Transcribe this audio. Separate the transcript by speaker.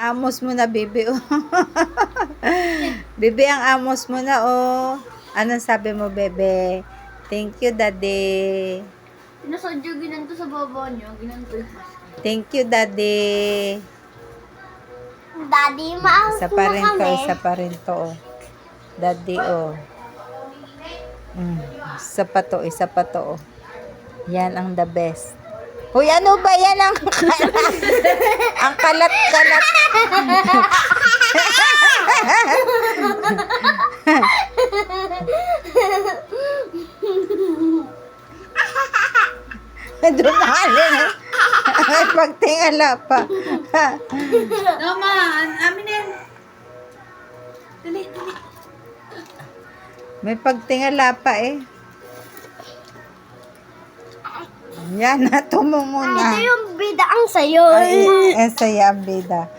Speaker 1: amos mo na, Bibi. Oh. Bibi, ang amos mo na, oh. Anong sabi mo, Bebe? Thank you, Daddy.
Speaker 2: Pinasadyo ginanto sa baba niyo. Ginanto yung mask.
Speaker 1: Thank you, Daddy.
Speaker 3: Daddy, maas
Speaker 1: Isa pa rin to, isa pa rin to, oh. Daddy, oh. Isa pa to, isa pa to, oh. Yan ang the best. Uy, ano ba yan ang kalat? Ang kalat-kalat. Dumali na. Ay, pagtingala pa.
Speaker 2: Tama, amin na yan. Dali, dali.
Speaker 1: May pagtingala pa eh. Yan na, tumungo na.
Speaker 3: Ito yung bida ang sayo.
Speaker 1: Ay, saya ang bida.